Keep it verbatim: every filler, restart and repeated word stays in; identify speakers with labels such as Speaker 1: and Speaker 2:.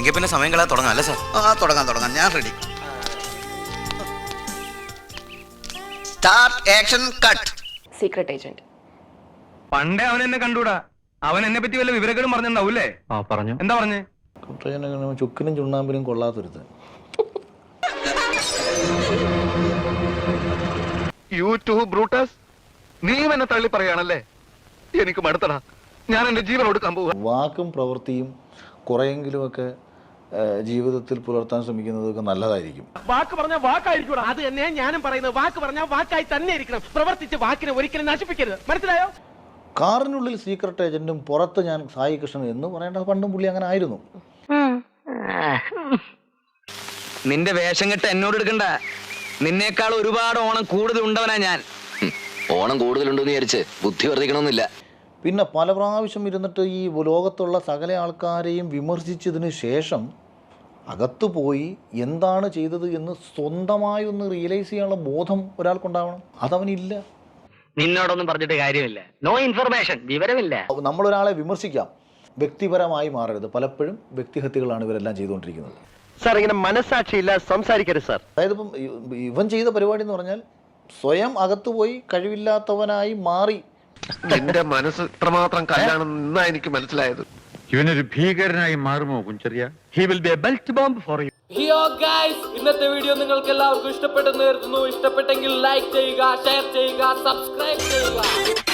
Speaker 1: എങ്കിൽ പിന്നെ സമയം കളയാൻ തുടങ്ങാം അല്ലേ സാർ?
Speaker 2: ആ തുടങ്ങാം തുടങ്ങാം, ഞാൻ ready. Start action cut.
Speaker 3: Secret agent.
Speaker 4: പണ്ടേ അവൻ എന്നെ കണ്ടൂടാ. അവൻ എന്നെ പറ്റി വല്ല വിവരങ്ങളും പറഞ്ഞിട്ടുണ്ടാവൂല്ലേ? ആ പറഞ്ഞു. എന്താ പറഞ്ഞേ?
Speaker 5: ചുക്കിനും ചുണ്ണാമ്പിനും കൊള്ളാത്തൊരുത്തൻ.
Speaker 4: യൂട്യൂബ് ബ്രൂട്ടസ്, നീ എന്നെ തള്ളി പറയാണല്ലേ? എനിക്ക് മടുത്തടാ, ഞാൻ എന്റെ ജീവൻ കൊടുക്കാൻ പോവാ.
Speaker 5: വാക്കും പ്രവൃത്തിയും കുറെയെങ്കിലുമൊക്കെ ജീവിതത്തിൽ പുലർത്താൻ ശ്രമിക്കുന്നതൊക്കെ നല്ലതായിരിക്കും.
Speaker 6: വാക്ക് പറഞ്ഞാൽ വാക്കായിരിക്കും. അത് തന്നെ ഞാനും പറയുന്നത്. വാക്ക് പറഞ്ഞാൽ വാക്കായി തന്നെ ഇരിക്കണം. പ്രവർത്തിച്ച് വാക്കിനെ ഒരിക്കലും നശിപ്പിക്കരുത്. മനസ്സിലായോ?
Speaker 5: കാറിനുള്ളിൽ സീക്രട്ട് ഏജന്റും പുറത്ത് ഞാൻ സായി കൃഷ്ണൻ എന്ന് പറയേണ്ട പണ്ടും പുള്ളി അങ്ങനെ ആയിരുന്നു.
Speaker 1: നിന്റെ വേഷം കെട്ട് എന്നോട് എടുക്കണ്ട. നിന്നേക്കാൾ ഒരുപാട് ഓണം കൂടുതൽ ഉണ്ടവനാ ഞാൻ. ഓണം കൂടുതലുണ്ടെന്ന് വിചാരിച്ച് ബുദ്ധി വർദ്ധിക്കണമെന്നില്ല.
Speaker 5: പിന്നെ പല പ്രാവശ്യം ഇരുന്നിട്ട് ഈ ലോകത്തുള്ള സകല ആൾക്കാരെയും വിമർശിച്ചതിന് ശേഷം അകത്തു പോയി എന്താണ് ചെയ്തത് എന്ന് സ്വന്തമായി ഒന്ന് റിയലൈസ് ചെയ്യാനുള്ള ബോധം ഒരാൾക്കുണ്ടാവണം. അതവനില്ല.
Speaker 6: നിന്നോടൊന്നും പറഞ്ഞിട്ട് കാര്യമില്ല. നോ ഇൻഫർമേഷൻ, വിവരമില്ല.
Speaker 5: നമ്മളൊരാളെ വിമർശിക്കാം, വ്യക്തിപരമായി മാറരുത്. പലപ്പോഴും വ്യക്തിഹത്യകളാണ് ഇവരെല്ലാം ചെയ്തുകൊണ്ടിരിക്കുന്നത്.
Speaker 6: സാർ, ഇങ്ങനെ മനസ്സാക്ഷിയില്ല സംസാരിക്കരുത് സാർ.
Speaker 5: അതായത് ഇപ്പം ഇവൻ ചെയ്ത പരിപാടി എന്ന് പറഞ്ഞാൽ സ്വയം അകത്തുപോയി കഴിവില്ലാത്തവനായി മാറി.
Speaker 4: എന്റെ മനസ്സ് ഇത്രമാത്രം കല്ലാണെന്നാ എനിക്ക് മനസ്സിലായത്.
Speaker 7: ഇവനൊരു ഭീകരനായി മാറുമോ Kunjariya?
Speaker 4: He will be a belt bomb for you.
Speaker 8: ഹിയോ ഗൈസ്, ഇന്നത്തെ വീഡിയോ നിങ്ങൾക്ക് എല്ലാവർക്കും ഇഷ്ടപ്പെട്ടെന്ന് കരുതുന്നു. ഇഷ്ടപ്പെട്ടെങ്കിൽ ലൈക്ക് ചെയ്യുക, ഷെയർ ചെയ്യുക, സബ്സ്ക്രൈബ് ചെയ്യുക.